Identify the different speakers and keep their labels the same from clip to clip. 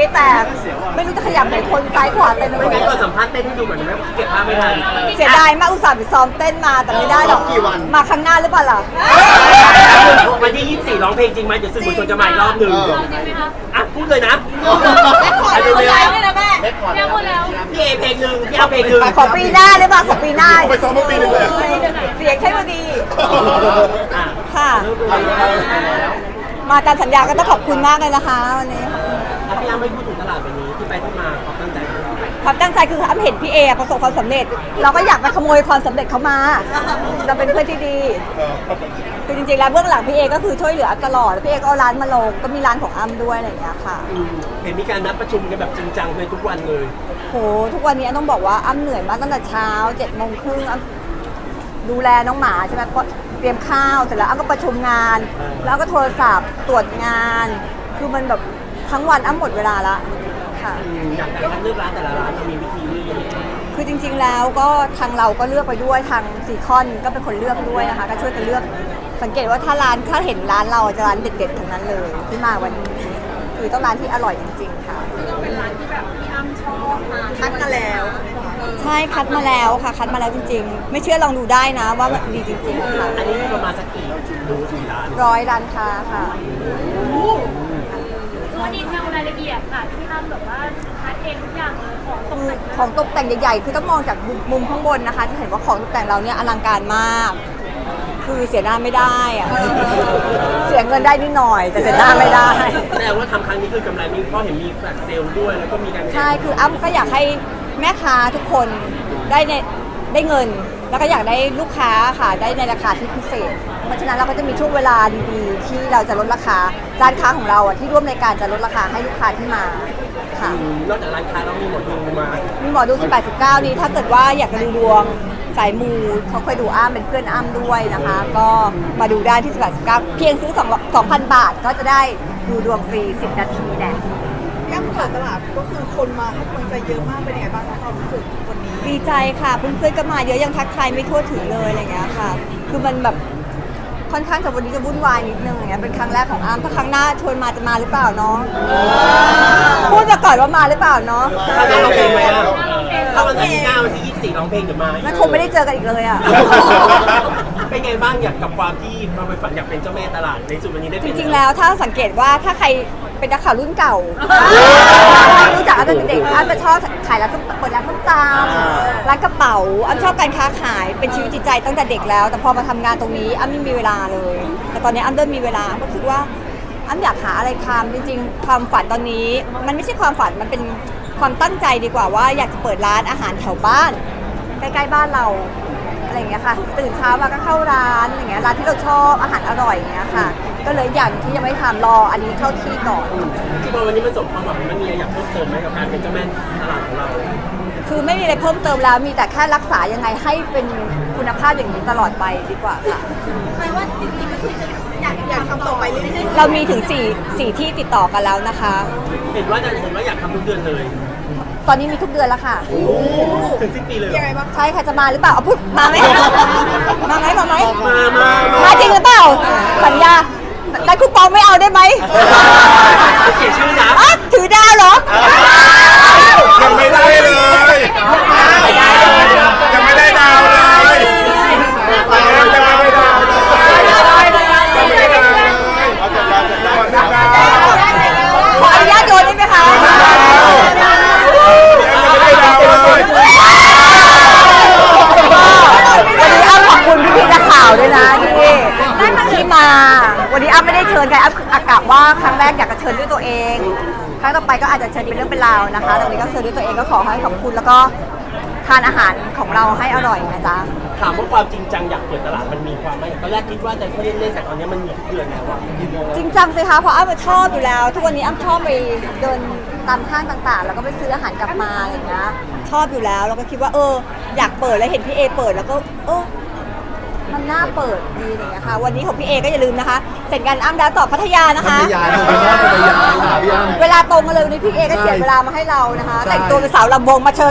Speaker 1: แต่ไม่รู้จะขยับไหนคนซ้ายขวาเต็มไปหม
Speaker 2: ไม่
Speaker 1: ด
Speaker 2: งั้นก่อนสัมภาษณ์เต้นให้ดูเหมือนไหมเก็บภาพไม่ทัน
Speaker 1: เสียดายมากอุตส่าห์ไปซ้อมเต้นมาแต่ไม่ได้หรอก
Speaker 3: กี่วัน
Speaker 1: มาครั้งหน้าหรือเปล่าล่ะ
Speaker 2: วันที่24ร้องเพลงจริงไหมเดี๋ยวสื่อมวลชนจะมาอีกรอบหนึ่งอ่ะพูดเลยนะ
Speaker 4: ขอดูแล้วเลยนะแม่
Speaker 3: เล็กก่อน
Speaker 4: ยังหมดแล้ว
Speaker 2: พี่เอเพลงหนึ่งพี่เอาเพลงหนึ่ง
Speaker 1: ขอปีหน้าหรือเปล่าขอปีหน้า
Speaker 3: ไปซ้อมเมื่อปีหนึงเลย
Speaker 1: เสียงใช่พอดี
Speaker 2: อ่ะ
Speaker 1: ค่ะ มาตามสัญญาก็ต้องขอบคุณมากเลยนะคะวันนี้
Speaker 2: แล้วพี่อ้ำไม่พูดถึงตลาดวันนี้ที่ไปที่มาความตั้งใจของเรา
Speaker 1: ความตั้งใจคืออ้ำเห็นพี่เอประสบความสำเร็จ เราก็อยากไปขโมยความสำเร็จเขามาเราเป็นเพื่อนที่ดีคือจริงๆแล้วเบื้องหลังพี่เอก็คือช่วยเหลืออ้ำตลอดพี่เอก็เอาร้านมาลงก็มีร้านของอ้ำด้วยอะไรอย่างเงี้ยค่ะ
Speaker 2: เห็นมีการนัดประชุมกันแบบจริงจังเลยทุกวันเลย
Speaker 1: โหทุกวันนี้อ้ำต้องบอกว่าอ้ำเหนื่อยมากตั้งแต่เช้า7:30อ้ำดูแลน้องหมาใช่ไหมเพราะเตรียมข้าวเสร็จแล้วอ้ำก็ประชุมงาน แล้วก็โทรศัพท์ตรวจงาน คือมันแบบทั้งวันอ้ำหมดเวลาละค่ะ
Speaker 2: อย่างการคัดเลือกร้านแต่ละร้านเรามีวิธีเลือกยังไง
Speaker 1: คือจริงๆแล้วก็ทางเราก็เลือกไปด้วยทางซีคอนก็เป็นคนเลือกด้วยนะคะก็ช่วยกันเลือกสังเกตว่าถ้าเห็นร้านเราจะร้านเด็ดๆทั้งนั้นเลยที่มาวันนี้คือต้องร้านที่อร่อยจริงๆค่ะ
Speaker 4: ต้องเป็นร้านที่แบบพี่อ้ำชอบมาคัดมาแล้ว
Speaker 1: ใช่คัดมาแล้วค่ะคัดมาแล้วจริงๆ ไม่เชื่อลองดูได้นะว่ามันดีจริงๆค่ะ
Speaker 2: อันนี้มีประมาณสักกี่ดูกี่ร้าน
Speaker 1: 100ร้านค้าค่ะ
Speaker 4: วันนี้ทำรายละเอียดค่ะที่พี่อ้ำแบบว่าคัดเองทุกอย่างเลยของตก
Speaker 1: คือ
Speaker 4: แต่ง
Speaker 1: ของตกแต่งใหญ่ๆ คือต้องมองจากมุมข้างบนนะคะ จะเห็นว่าของตกแต่งเราเนี่ยอลังการมาก คือเสียหน้าไม่ได้อะเสียเงินได้นิดหน่อย แต่เสียหน้าไม่ได้
Speaker 2: แต่ว่าทำครั้งนี้คือกำไรมีเพราะเห็นมีแฟลชเซลล์ด้วยแล้วก็มีการ
Speaker 1: ใช่ คืออ้ำก็อยากให้แม่ค้าทุกคนได้เงิน แล้วก็อยากได้ลูกค้าค่ะ ได้ในราคาที่พิเศษ เพราะฉะนั้นเราก็จะมีช่วงเวลาดีๆ ที่เราจะลดราคา ร้านค้าของเราอ่ะที่ร่วมในการจะลดราคาให้ลูกค้าที่มาค่ะ
Speaker 2: นอกจากร้านค้าเรามีหมดดูมา
Speaker 1: มีหมอดู18 19นี้ถ้าเกิดว่าอยากจะดูดวงสายมูเขาเคยดูอ้ำเป็นเพื่อนอ้ำด้วยนะคะ ก็มาดูได้ที่18 19เพียงซื้อ2,000 บาทก็จะได้ดูดวงฟรี10 นาทีแน่
Speaker 5: ย่ำเปิดตลาดก็คือคนมาให้กำลังใจเยอะมากเป็นยังไงบ้างคะความรู้สึกวันนี้
Speaker 1: ดีใจค่ะเพื่อนๆก็มาเยอะยังทักทายไม่ทั่วถึงเลยอะไรเงี้ยค่ะ คือมันแบบค่อนข้างจะวันนี้จะวุ่นวายนิดนึงอย่างเงี้ยเป็นครั้งแรกของอ้ำถ้าครั้งหน้าชวนมาจะมาหรือเปล่าเนาะพูดมาก่อนว่ามาหรือเปล่าเนาะ
Speaker 2: ถ้าร้องเพลงไหมอ่ะถ้าวันที่9วันที่24ร้องเพลงจะมา
Speaker 1: งั้นคงไม่ได้เจอกันอีกเลยอ่ะ
Speaker 2: เป็นไงบ้างอยากกับความที่เราไปฝันอยากเป็นเจ้าแม่ตลาดในสุดวันนี้ได้
Speaker 1: จ
Speaker 2: เป็น
Speaker 1: ริงๆแล้วถ้าสังเกตว่าถ้าใครเป็นนักข่าวรุ่นเก่ารู้จักอ้ำตั้งแต่เด็กอ้ำจะชอบขายร้านต้มเปิดร้านต้มตำร้านกระเป๋าอ้ำชอบการค้าขายเป็นชีวิตจิตใจตั้งแต่เด็กแล้ว แต่พอมาทำงานตรงนี้อ้ำไม่มีเวลาเลย แต่ตอนนี้อ้ำเริ่มมีเวลาก็คิดว่าอ้ำอยากหาอะไรทำจริงๆ ความฝันตอนนี้มันไม่ใช่ความฝันมันเป็นความตั้งใจดีกว่าว่าอยากจะเปิดร้านอาหารแถวบ้านใกล้ๆบ้านเราอะไรอย่างเงี้ยค่ะตื่นเช้ามาก็เข้าร้านอย่างเงี้ยร้านที่เราชอบอาหารอร่อยอย่างเงี้ยค่ะ ก็เลยอย่างที่ยังไม่ทำรออันนี้เข้าที่ก่อน
Speaker 2: ที่พอวันนี้มันสมความหวังมันมีอะไรอยากเพิ่มเติมไหมกับการเป็นเจ้าแม่ตลาดของเรา
Speaker 1: คือไม่มีอะไรเพิ่มเติมแล้วมีแต่แค่รักษายังไงให้เป็นคุณภาพอย่างนี้ตลอดไปดีกว่าค่ะ
Speaker 4: แปลว่าจริงๆก็คือจะอยากทำต่อไปเรื่อย
Speaker 1: เรามีถึง4ที่ติดต่อกันแล้วนะคะ
Speaker 2: เห็นว่าอยากทำทุกเดือนเลย
Speaker 1: ตอนนี้มีทุกเดือนแล้วค่ะ
Speaker 2: ถึงสิ้นปีเลย
Speaker 5: ยังไงบ้าง
Speaker 1: ใช่ค่ะจะมาหรือเปล่าเอาพูดมาไหมมาไหมมาไหม
Speaker 2: มา
Speaker 1: จริงหรือเปล่าสัญญาได้คูปองไม่เอาได้ไหม
Speaker 2: เสียชื่อนะ
Speaker 1: อ๊ะถือดาวเหรอ
Speaker 3: ยังไม่ได้เลยยังไม่ได้ดาวเลยยังไม่ได้ดาวเลยยังไม่ได้ดาวเลยเอาจัดดาวจัดดาวจัดดาว
Speaker 1: ขออนุญาตโยนได้ไหมคะ
Speaker 3: ยังไม่ได้ดาวเลย
Speaker 1: วันนี้อ้ำขอบคุณพี่ๆนักข่าวด้วยนะที่มา วันนี้อ้ำไม่ได้เชิญใครอ้ำอากาศว่าครั้งแรกอยากจะเชิญด้วยตัวเอง ครั้งต่อไปก็อาจจะเชิญเป็นเรื่องเป็นราวนะคะแต่วันนี้ก็เชิญด้วยตัวเองก็ขอให้ขอบคุณแล้วก็ทานอาหารของเราให้อร่อยนะจ๊ะ
Speaker 2: ถามว่าความจริงจังอยากเปิดตลาดมันมีความไหมตอนแรกคิดว่าจะเล่นๆแต่ตอนนี้มันมีทุกเดือนแล้วอะ
Speaker 1: จริงจังสิคะเพราะอ้ำชอบอยู่แล้ว ทุกวันนี้อ้ำชอบไปเดินตามห้างต่างๆ แล้วก็ไปซื้ออาหารกลับมาอะไรอย่างเงี้ยชอบอยู่แล้วแล้วก็คิดว่าอยากเปิดแล้วเห็นพี่เอเปิดแล้วก็มันน่าเปิดดีอะไรอย่างเงี้ยค่ะวันนี้ของพี่เอก็อย่าลืมนะคะเสร็จงานอ้ำแล้วต่อพัทยานะคะ
Speaker 3: พัทยานะคุณพ่อพัทยาค่ะพี่อ้ำ
Speaker 1: เวลาตรงกันเลยวันนี้พี่เอก็เจียดเวลามาให้เรานะคะ
Speaker 3: ใช่
Speaker 1: แต่งตัวเป็นสาวลำวงมาเชิญ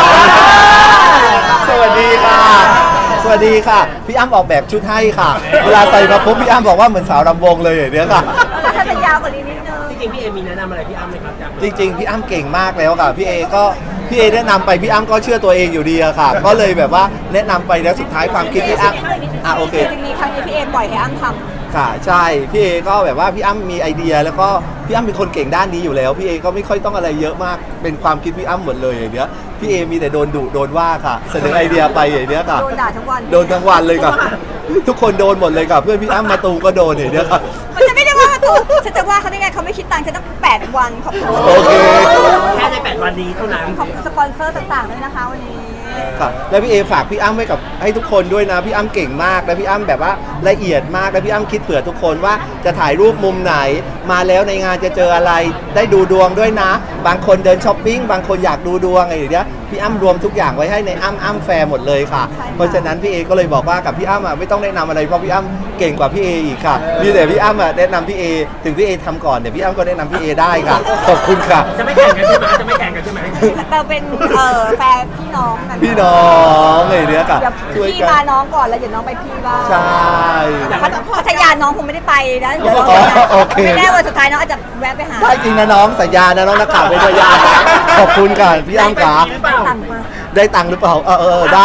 Speaker 3: สวัสดีค่ะ สวัสดีค่ะ พี่อ้ำออกแบบชุดให้ค่ะ เวลาใส่มาปุ๊บพี่อ้ำบอกว่าเหมือนสาวรำวงเลยอย่างเนี้ยค่ะ
Speaker 1: ให้มันยาวกว่านี้นิดนึง
Speaker 2: จริงๆพี่เอมีแนะนำอะไรพี่อ้ำไหมครับจาก
Speaker 6: จริงๆพี่อ้ำเก่งมากแล้วค่ะพี่เอแนะนำไปพี่อ้ำก็เชื่อตัวเองอยู่ดีอะค่ะ ก็เลยแบบว่าแนะนำไปแล้วสุดท้ายความคิดพี่อ้ำโอเค
Speaker 1: จริงๆครั้งนี้พี่เอปล่อยให้อ้ำทำ
Speaker 6: ค่ะใช่พี่เอก็แบบว่าพี่อ้ำมีไอเดียแล้วก็พี่อ้ำเป็นคนเก่งด้านนี้อยู่แล้วพี่เอก็ไม่ค่อยต้องอะไรเยอะมากเป็นความคิดพี่อ้ำหมดเลยอย่างเนี้ยพี่เอมีแต่โดนดุโดนว่าค่ะเสนอไอเดียไปอย่างเนี้ยค่ะ
Speaker 1: โดนด่าทั้งวัน
Speaker 6: โดนทั้งวันเลยค่ะทุกคนโดนหมดเลยค่ะเพื่อนพี่อ้ำมาตูก็โดนอย่างเนี้ยค่ะ
Speaker 1: มันจะไม่ได้ว่าตัวฉันจะว่าเขาได้ไงเขาไม่คิดตังค์ฉันตั้ง8 วันขอบคุณ
Speaker 6: โอเค
Speaker 2: แค่ใน8 วันนี้เท่านั้น
Speaker 1: ขอบคุณสปอนเซอร์ต่างๆด้วยนะคะวันนี้
Speaker 6: ค่ะแล้วพี่เอฝากพี่อ้ำไว้กับให้ทุกคนด้วยนะพี่อ้ำเก่งมากและพี่อ้ำแบบว่าละเอียดมากและพี่อ้ำคิดเผื่อทุกคนว่าจะถ่ายรูปมุมไหนมาแล้วในงานจะเจออะไรได้ดูดวงด้วยนะ บางคนเดินช้อปปิ้งบางคนอยากดูดวงอะไรอย่างเงี้ยพี่อ้ำรวมทุกอย่างไว้ให้ในอ้ำแฟร์หมดเลยค่ะ
Speaker 1: ใช่ค่ะ
Speaker 6: เพราะฉะนั้นพี่เอก็เลยบอกว่ากับพี่อ้ำไม่ต้องแนะนำอะไรเพราะพี่อ้ำเก่งกว่าพี่เออีกค่ะมีแต่พี่อ้ำแนะนำพี่เอถึงพี่เอทำก่อนเดี๋ยวพี่อ้ำก็แนะนำพี่เอได้ค่ะขอบคุณค่ะ
Speaker 2: จะไม่แข่งกันใช่ไหมจะไม่แข่งกันใช่ไหม
Speaker 1: เราเป็นแฟนพี่น้องกัน
Speaker 6: พี่น้องอะไรอย่างเนี้ยค่ะ
Speaker 1: เดี๋ยว
Speaker 6: ช่วย
Speaker 1: พี่
Speaker 6: กั
Speaker 1: มาน น้องก่อนแล้วเดี๋ยวน้องไปพี่บ้าง
Speaker 6: ใช่
Speaker 1: พัทยาน้องคงไม่ได้ไปนะเดี๋ยว
Speaker 6: อ๋อโอเค
Speaker 1: ไม่แน่วันสุดท้ายน้องอาจจะแวะไปหา
Speaker 6: ได้จริงนะน้องสัญญานะน้องนักข่าวเป็นพยานขอบคุณค่ะพี่อ้ำขา
Speaker 2: หรือเปล่า
Speaker 1: ตังค์มา
Speaker 6: ได้ตังค์หรือเปล่าได้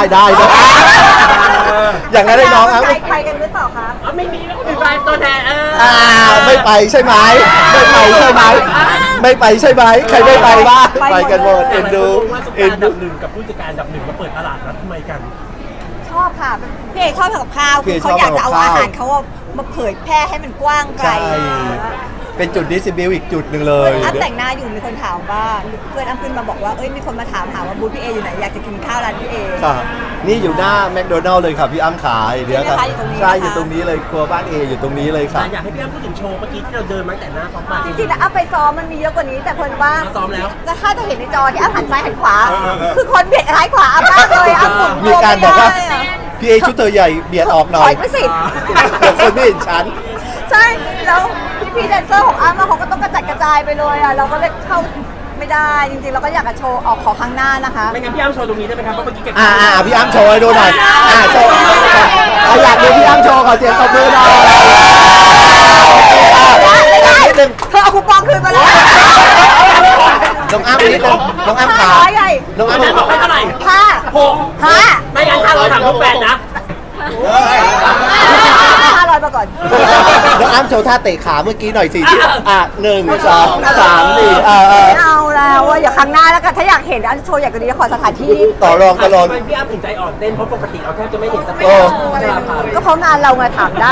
Speaker 6: อย่างนั้นได้น้องครับ
Speaker 1: ใจใครกันหรือเปล่าคะ
Speaker 2: อ๋อไม่มีแล้วมีไฟตัวแทน
Speaker 6: ไม่ไปใช่ไหมไม่ไปใช่ไหมไม่ไปใช่ไหมใครไม่ไปบ้างไปกันหมดเอ็นดู
Speaker 2: ว่าสุด
Speaker 6: เอ็
Speaker 2: การ
Speaker 6: น
Speaker 2: อัน
Speaker 6: ดู
Speaker 2: ดับหนึ่งกับผู้จัดการอันดับหนึ่งมาเปิดตลาดนัดทำไมกัน
Speaker 1: ชอบค่ะพี่เอกชอบทำกับข้าวคือเขาอยากจะเอาอาหารเขามาเผยแพร่ให้มันกว้างไกล
Speaker 6: ใช่เป็นจุดดิสซิบิลอีกจุดหนึ่งเลย
Speaker 1: อ้ำแต่งหน้าอยู่มีคนถามว่าเพื่อนอ้ำขึ้นมาบอกว่าเอ้ยมีคนมาถามหาว่าบูธพี่เออยู่ไหนอยากจะกินข้าวร้านพี่เอ
Speaker 6: ค่ะนี่อยู่หน้าแมคโดนัลล์เลยค่ะพี่อ้ำขาเดี๋ยวค่ะ
Speaker 1: ใช่ไหมคะอยู่ตรงนี้นะคะ
Speaker 6: ใช่อยู่ตรงนี้เลยครัวบ้านเออยู่ตรงนี้เลยค่ะ
Speaker 2: อยากให้พี่อ้ำพูดถึงโชว์เมื่อกี้ที่เราเดินมาแต่หน้าท็อปมา
Speaker 1: จริงๆแล้วอ้ำไปซ้อมมันมีเยอะกว่านี้แต่เพิ่นว่า
Speaker 2: ซ้อมแล้ว
Speaker 1: จะถ้าจะเห็นในจอที่อ้ำหันซ้ายหันขวา คือคนเบียดซ้ายขวาอ้ำมากเลยอ้ำหมุน
Speaker 6: มีการบอกว่า
Speaker 1: ไม่ได้อะ
Speaker 6: พี่เอชุดเธอใหญ่เบียดออกหน่
Speaker 1: ถ
Speaker 6: อ
Speaker 1: อย ยไปสิ
Speaker 6: เดี๋ยวคนไม่เห็นฉัน
Speaker 1: ใช่แล้วพี่แดนเซอร์ของอ้ำอะเขาก็ต้องกระจัดกระจายไปเลยอ่ะเราก็เลยเข้าไม่ได้จริงๆเราก็อยากจะโชว์ออกขอข้างหน้านะคะ
Speaker 2: ไม่งั้นพี่อ้ำโชว์ตรงนี้ได้ไหมครับเพราะเมื่อกี้แก
Speaker 6: พี่อ้ำโชว์ให้ดูหน่อยโชว์อยากดูพี่อ้ำโชว์ขอเสียงตบมือหน่อย
Speaker 1: ไม่ได้
Speaker 6: นิดนึง
Speaker 1: เธอเอาคูปองคืนมาแล้ว
Speaker 6: น้องอ้ำนิดนึงน้องอ้ำขา
Speaker 1: ร้อยใหญ่
Speaker 6: น้อง
Speaker 2: วัน
Speaker 6: อ้ำ
Speaker 2: นั้นบอกให้เท่าไหร่
Speaker 1: ห้า
Speaker 2: 6
Speaker 1: ห้า
Speaker 2: ไม่งั้นถ้าเราถามลูกแฟนนะ
Speaker 1: 500มาก่อน
Speaker 6: น้องอ้ำโชว์ท่าเตะขาเมื่อกี้หน่อยสิที่1 2 3 4
Speaker 1: ไม่เอาแล้วอะอย่าครั้งหน้าแล้วกันถ้าอยากเห็นอันโชว์อยากจะดีขอสถานที่
Speaker 6: ต่อรองตลอด
Speaker 2: ทำไมพี่อ้ำถึงใจอ่อนเต้นเพราะปกติเราแทบจะไม่เห็นสเต็
Speaker 6: โอ้
Speaker 2: ป
Speaker 1: ก็เพราะงานเราไงถามได้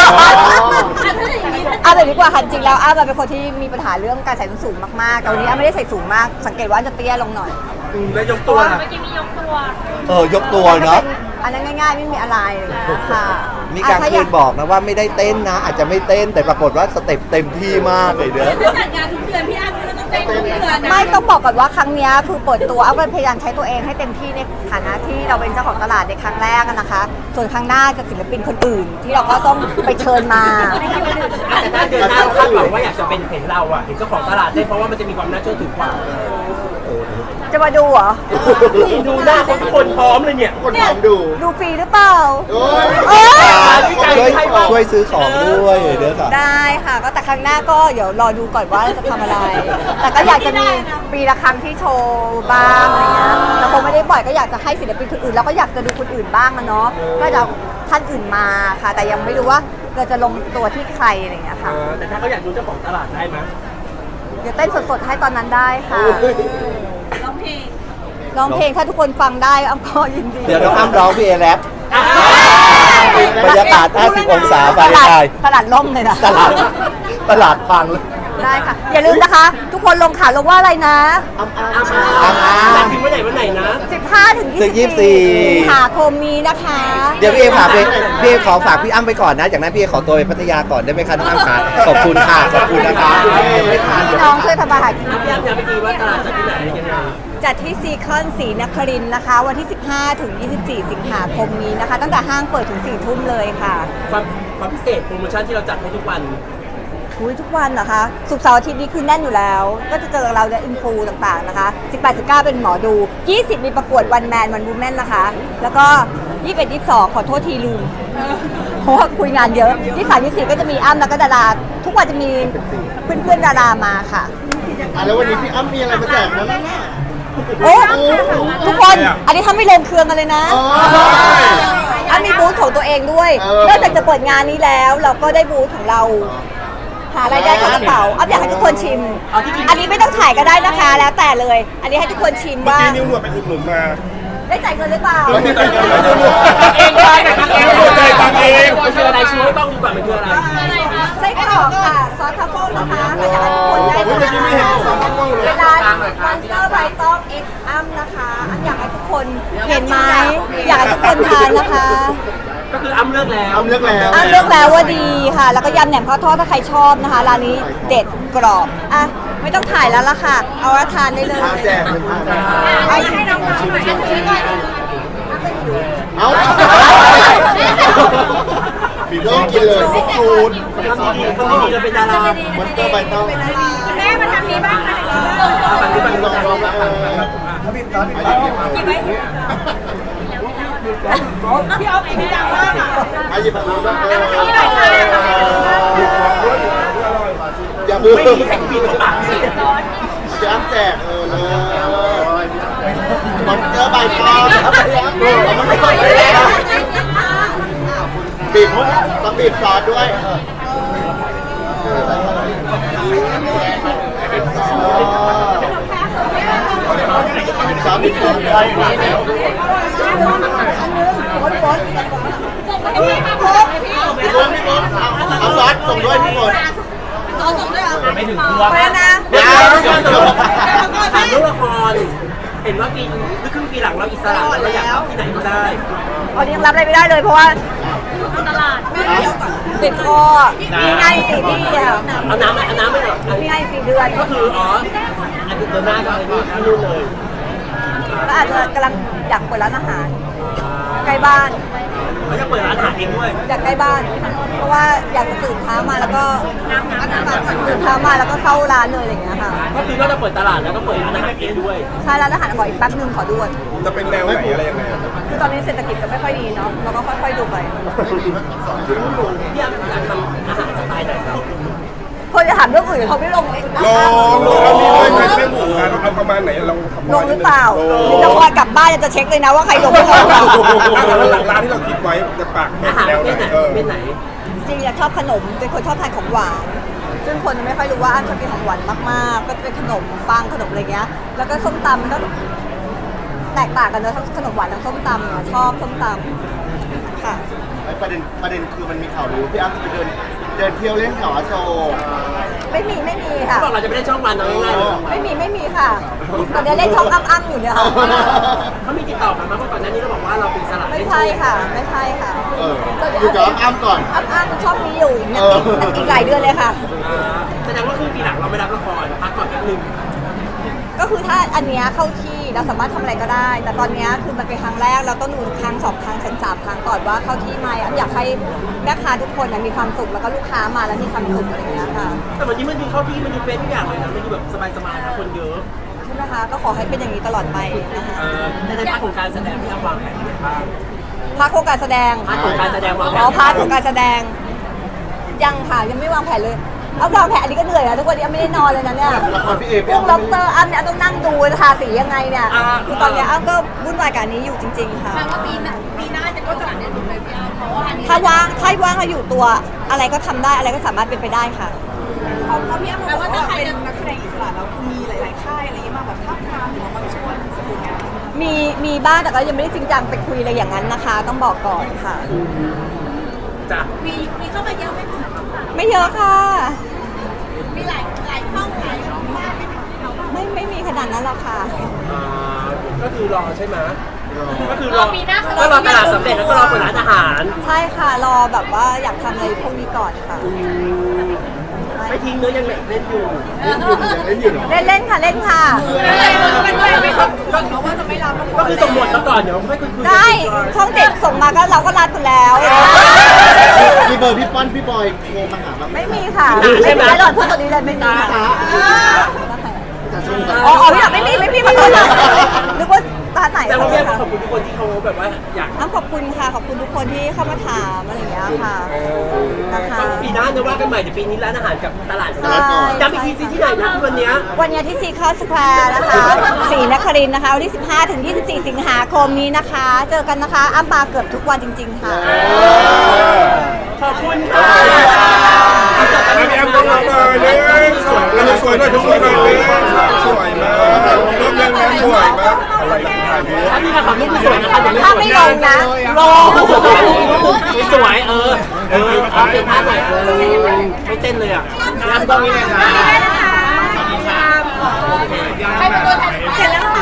Speaker 1: เอาแบบนี้ดีกว่าค่ะจริงๆแล้วอ้าเป็นคนที่มีปัญหาเรื่องการใส่ส้นสูงมากๆแต่วันนี้อ้าไม่ได้ใส่สูงมาก สังเกตว่าจะเตี้ยลงหน่อย
Speaker 2: แล้วยกตัว
Speaker 4: เมื่อกี้มียกตัว
Speaker 6: ยกตัวเนาะ
Speaker 1: อันนั้นง่ายๆไม่มีอะไรค่ะ
Speaker 6: มีการเคยบอกนะว่าไม่ได้เต้นนะ อาจจะไม่เต้นแต่ปรากฏว่าสเต็ปเต็มที่มากเลยเด้อ
Speaker 4: จัดงานทุกเดือนพี่อ้ำก็ต้องเต้นทุกเดือน
Speaker 1: ไม่ต้องบอกก่อนว่าครั้งเนี้ยคือเปิดตัวอ้าก็พยายามใช้ตัวเองให้เต็มที่ในฐานะที่เราเป็นเจ้าของตลาดในครั้งแรกอะนะคะ ส่วนครั้งหน้าจะศิลปินคนอื่น ที่เราก็ต้องไปเชิญมา
Speaker 2: แต่ถ้าเดือนหน้าเราคาดหวังว่าอยากจะเป็นเห็นเราอ่ะเห็นเจ้าของตลาดได้เพราะว่ามันจะมีความน่าเชื่อถือกว่า
Speaker 1: จะมาดูเหรอ
Speaker 2: ดูหน้าคนทุกคนพร้อมเลยเนี่ย
Speaker 3: คนทำดู
Speaker 1: ดูฟรีหรือเปล่า
Speaker 3: โอ้ย
Speaker 1: เอ้ย
Speaker 6: ช่วยซื้อของด้วยเด้อค่ะ
Speaker 1: ได้ค่ะก็แต่ครั้งหน้าก็เดี๋ยวรอดูก่อนว่าจะทำอะไร แต่ก็อยากจะมีปีละครั้งที่โชว์บ้างอะไรเงี้ยแต่คงไม่ได้บ่อยก็อยากจะให้ศิลปินคนอื่นแล้วก็อยากจะดูคนอื่นบ้างอะเนาะก็จะเอาท่านอื่นมาค่ะ แต่ยังไม่รู้ว่าเราจะลงตัวที่ใครอะไรเงี้ยค่ะ
Speaker 2: แต่ถ้าเขาอยากดูเจ้าของตลาดได้ไหม
Speaker 1: เดี๋ยวเต้นสดๆให้ตอนนั้นได้ค่ะ
Speaker 4: ร้องเพลง
Speaker 1: ร้องเพลงถ้าทุกคนฟังได้อ้ำก็ยินดี
Speaker 6: เดี๋ยวน้องอ้ำร้องพี่เอแรปบรรยากาศ 50 องศาไป
Speaker 1: ตลาด
Speaker 6: ได้
Speaker 1: ตลาดล่มเลยนะ
Speaker 6: ตลาดพังเลย
Speaker 1: ได้ค่ะ อย่าลืมนะคะ ทุกคนลงข่าวลงว่าอะไรนะ
Speaker 2: แต่ถึงวันไหนนะ
Speaker 1: 15 ถึง
Speaker 6: ถึง
Speaker 1: 24
Speaker 6: 24
Speaker 1: สิงหาคมนี้นะคะ
Speaker 6: เดี๋ยวพี่เอพี่เอขอฝากพี่อ้ำไปก่อนนะจากนั้นพี่เอขอตัวไปพัทยาก่อนได้ไหมคะน้องอ้ำคะขอบคุณค่ะขอบคุณนะคะไม่ทาน
Speaker 1: พี่น้องช่วยทำมาหากิน
Speaker 2: พี่อ้ำอยากไปดีว่าตลาดจะที่ไหนยังไง
Speaker 1: จัดที่ซีคอนศรีนครินทร์นะคะ วันที่ 15 ถึง 24 สิงหาคมนี้นะคะ ตั้งแต่ห้างเปิดถึง 4 ทุ่มเลยค่ะ
Speaker 2: ความพิเศษโปรโมชั่นที่เราจัดให้ทุกวัน
Speaker 1: ทุกวันเหรอคะศุกร์เสาร์อาทิตย์นี้คือแน่นอยู่แล้ว ก็จะเจอเราในอินฟูต่างๆนะคะ 18-19 เป็นหมอดู 20 มีประกวดวันแมนวันวูแมนนะคะ แล้วก็ 21 22ขอโทษทีลืมเพราะว่าคุยงานเยอะ23 24ก็จะมีอ้ำแล้วก็ดาราทุกวันจะมีเพื่อนๆดารามาค่ะ
Speaker 7: แล้ววันนี้พี่อ้ำมีอะไรมาแจกนะ
Speaker 1: โอ้ทุกคนอันนี้ถ้าไม่ลงเครื่องกันเลยนะอ้ำมีบูธของตัวเองด้วยนอกจากจะเปิดงานนี้แล้วเราก็ได้บูธของเรา หารายได้เข้ากระเป๋าอ้ำอยากให้ทุกคนชิม อันนี้ไม่ต้องถ่ายก็ได้นะคะ แล้วแต่เลย อันนี้ให้ทุกคนชิม
Speaker 3: เมื่อ
Speaker 1: ว่า
Speaker 3: กี้นิ้วหนวดไปอุดหนุนมา
Speaker 1: ได้จ่ายเงินหรือเปล่า
Speaker 3: ไม่ได้เงินไม่ได้เงิน
Speaker 2: เองได้กับทางเอง
Speaker 3: ใจตังเอง
Speaker 2: มันคืออะไรชูให้ต้องดูก่อนมันคืออะไร
Speaker 1: ไส้กรอกค่ะ ซอสทัฟเฟิลนะคะก็อยากให้ทุกคนได้
Speaker 3: เมื่อกี้ไม่เห็นสองข้างเลย
Speaker 1: ร้านมอนสเตอร์ไบตองเอ็กซ์อัมนะคะอันอยากให้ทุกคนเห็นไหมอยากให้ทุกคนทานนะคะ
Speaker 2: ก็คืออ้ำเลือกแล้ว
Speaker 7: อ้ำเลือกแล้ว
Speaker 1: อันเลือกแล้วว่าดีค่ะ แล้วก็ยำแหนมข้าวทอดถ้าใครชอบนะคะร้านนี้เด็ดกรอบอ่ะไม่ต้องถ่ายแล้วล่ะค่ะ เอาละทานได้เลย
Speaker 7: ทานแจกเลยค่ะ
Speaker 4: ให้น้องๆหน่อยชิมก่อน
Speaker 7: เอาบีบเริ่มกินเลยฟูด
Speaker 2: ทำดีจะเป็นดารา
Speaker 7: มอนสเตอร์ใบต้อง
Speaker 4: คุณแม่มาทำนี้บ้างนะ
Speaker 2: ฝั่งนี้ฝั่งนี้
Speaker 7: ลองลอง
Speaker 5: พี่อ๊อฟจริงจังมากอ่ะ
Speaker 7: อายิบมาบ้าง
Speaker 4: นี่หน่อยค่ะ
Speaker 7: อย่ามือ
Speaker 2: ไม่มีใครปิดของปากสิ
Speaker 7: พี่อ้ำแจกเลยมอนสเตอร์ใบต้องมันไม่ค่อยเลยนะบีบต้องบีบซอสด้วยสามบีบซอสได้พี่ฝนเอาซอสส่งด้วยพี่ฝน
Speaker 2: ไม่ถึงตัว
Speaker 1: ไปแล้วนะ
Speaker 2: ถามเรื่องละครเห็นว่าปีหรือครึ่งปีหลังเราอิสระเราอยากเข้าที่ไหนก็ได้
Speaker 1: ตอนนี้ยังรับอะไรไม่ได้เลยเพราะว่า
Speaker 4: ตลาด
Speaker 1: ติดคอมีงาน4ที่อ่ะ
Speaker 2: เอาน้ำไม่หรอก
Speaker 1: มีงาน4 เดือน
Speaker 2: ก็คืออันเดือนหน้าก็อะไรที่นู่นเลย
Speaker 1: ก็อาจจะกำลังอยากเปิดร้านอาหารใกล้บ้าน
Speaker 2: เขาจะเปิดร้านอาหารเองด้วย
Speaker 1: อยากใกล้บ้าน เพราะว่าอยากจะตื่นเช้ามาแล้วก็ตื่นเช้ามาแล้วก็เข้าร้านเลยอะไรอย่างเงี้ยค่ะ
Speaker 2: ก็คือก็จะเปิดตลาดแล้วก็เปิดร้านอาหารเองด้วย
Speaker 1: ใช่ร้านอาหารขออีกแป๊บนึงขอด่วน
Speaker 3: จะเป็นแนวไหนอะไรยังไง
Speaker 1: คือตอนนี้เศรษฐกิจก็ไม่ค่อยดีเนาะเราก็ค่อยๆดูไป
Speaker 2: พี่อยากทำอาหารสไตล์ไหนครับ
Speaker 1: คนจะถามเรื่องอื่นเขาไม่ลงเองนะ
Speaker 3: ลองเอาดีเลยไม่หมู่กันเอาประมาณไหนลอง
Speaker 1: ลงหรือเปล่าหรือจะคอยกลับบ้านจะเช็คเลยนะว่าใครลงไม่ลง
Speaker 3: หลังร้านที่เราคิดไว้จะปาก
Speaker 2: อาหาร
Speaker 3: แนว
Speaker 2: ประ
Speaker 3: ไหน
Speaker 2: เภทไหนประเภทไหน
Speaker 1: จริงๆชอบขนมเป็นคนชอบทานของหวานซึ่งคนไม่ค่อยรู้ว่าอ้ำชอบกินของหวานมากๆ ก็เป็นขนมปังขนมอะไรเงี้ยแล้วก็ส้มตำมันก็แตกต่างกันเนอะทั้งขนมหวานทั้งส้มตำอะชอบส้มตำค่ะ
Speaker 7: ประเด็นคือมันมีข่าวรู้พี่อ้ำจะไปเดินเที่ยวเล่นแถวอโศก
Speaker 1: ไม่มีค่ะ
Speaker 2: บอกเราจะไม่ได้ช่องวันเอาง่ายๆเลย
Speaker 1: ไม่มีค่ะตอนนี้เล่นช่องอ้ำอยู่เนี่ยค่ะ
Speaker 2: เขามีติดต่อกันมาเพราะก่อนหน้านี้เราบอกว่าเราเป็นสลัด
Speaker 1: ไม่ใช่ค่ะ
Speaker 7: อยู่กับอ้ำก่อน
Speaker 1: อ้ำชอบมีอยู่อีกหลายเดือนเลยค่ะ
Speaker 2: แสดงว่าครึ่งปีหลังเราไม่รับละครพักก่อนแป๊บนึง
Speaker 1: ก็คือถ้าอันเนี้ยเข้าที่เราสามารถทำอะไรก็ได้ แต่ตอนเนี้ยคือมันเป็นครั้งแรกเราต้องดูครั้ง2 ครั้ง3 ครั้งก่อนว่าเข้าที่ไหมอยากให้แม่ค้าทุกคนมีความสุขแล้วก็ลูกค้ามาแล้วมีความสุขอะไรอย่างเงี้ยค่ะ
Speaker 2: แต่วันนี้มันดูเข้าที่มันดูเป็นทุกอย่างเลยนะมันดูแบบสบายๆนะคนเยอะ
Speaker 1: ใช่ไหมคะก็ขอให้เป็นอย่างนี้ตลอดไปนะคะ
Speaker 2: ในภาคของการแสดงที่วางแผนยังไงบ้าง
Speaker 1: พาร์ทโครงการแสดง
Speaker 2: พาร์ทของการแสดงวางแผน
Speaker 1: อ๋อพาร์ทของการแสดงยังค่ะยังไม่วางแผนเลยเอาวางแผนอันนี้ก็เหนื่อยนะทุกวันนี้ไม่ได้นอนเลยนะเนี่ย
Speaker 7: ละครพี่เอ
Speaker 1: เรื่องล็อบสเตอร์อ้ำเนี่ยต้องนั่งดูทาสียังไงเนี่ยคือตอนเนี้ยอ้ำก็วุ่นวายกับอันนี้อยู่จริง ๆ ค่ะ
Speaker 4: แปลว่าปีหน้าจะก็จะได้ดูเลยพี่อ้ำเพราะว่าอันนี้
Speaker 1: ถ้าว่างเราอยู่ตัวอะไรก็ทำได้อะไรก็สามารถเป็นไปได้ค่ะ
Speaker 5: พอพี่อ้ำบอกว่าเป็นนักแสดงอิสระแล้วคือมีหลาย ๆ ค่ายอะไรอย่างเงี้ยมาแบบท้าทามหรือว่ามาชวนสมุนงาน
Speaker 1: มีบ้างแต่ก็ยังไม่ได้จริงจังไปคุยอะไรอย่างนั้นนะคะ ต้องบอกก่อนค่ะ
Speaker 2: จ้ะ
Speaker 4: มีเข้ามาเยอะไหมคะ
Speaker 1: ไม่เยอะค่ะ
Speaker 4: มีหลายช่องหลายช่องมากไหมคะ
Speaker 1: ไม่มีขนาดนั้นหรอกค่ะ
Speaker 2: ก็คือรอใช่ไหมก็คือรอก็รอตลาดสำเร็จแล้วก็รอเปิดร้านอาหาร
Speaker 1: ใช่ค่ะรอแบบว่าอยากทำอะไรพวกนี้ก่อนค่ะ
Speaker 2: ไม่ทิ้งเนื้อยังเล่นอยู่
Speaker 7: เล่นอยู่เหรอ
Speaker 1: เล่นค่ะ
Speaker 2: ก็คือสมบทมาก่อนเดี๋ยวค่อยคุย
Speaker 1: ได้ช่องเจ็ดส่งมาก็เราก็รัดคุณแล้ว
Speaker 7: มีเบอร์พี่ป้อนพี่บอยโทรมาหาบ้าง
Speaker 1: ไม่มีค่ะไม่มีหลอดพูดตัวนี้เลยไม่มีค่ะ
Speaker 7: จ
Speaker 1: อ๋อพี่ไม่ขอโทษนะนึกว่าตาไหน
Speaker 2: แต่ว่า
Speaker 1: เล
Speaker 2: พี่
Speaker 1: ย
Speaker 2: ข
Speaker 1: ค่ะ
Speaker 2: อบคุณทุกคนที่เขาแบบว่าอยาก
Speaker 1: ขอบคุณค่ะขอบคุณทุกคนที่เข้ามาถามอะไรอย่างเงี้ยค่ะนะคะ
Speaker 2: ปีหน้าจะว่ากันใหม่เดี๋ยวปีนี้ร้านอาหารกับตลาด
Speaker 1: ใช่
Speaker 2: ย้ำอีกทีสิที่ไหนนะที่วันเนี้ย
Speaker 1: วันนี้ที่ซีคอสแควร์นะคะศรีนครินทร์นะคะวันที่15 ถึง 24 สิงหาคมนี้นะคะ เจอกันนะคะอ้ำมาเกือบทุกวันจริง ๆ ค่ะ
Speaker 2: ขอบคุณค่ะ
Speaker 3: แล้วพี่แอมต้องรับเลยเนี่ยสวยแล้วสวยด้วยทุกคนเลยสวยมากรูปเรื่องนั้นสวยมากอะไรถ่ายรูป
Speaker 2: ถ้าพี่ขอรูปสวยนะคะเดี๋ยว
Speaker 1: ถ้าไม่ลงนะ
Speaker 2: ลงสวยเอาเป็นท่าไหนไม่เต้นเลยอ่ะงานต้องนี้เลยค่ะ
Speaker 5: ใครเป็นตัวแทนเสร็จแล้ว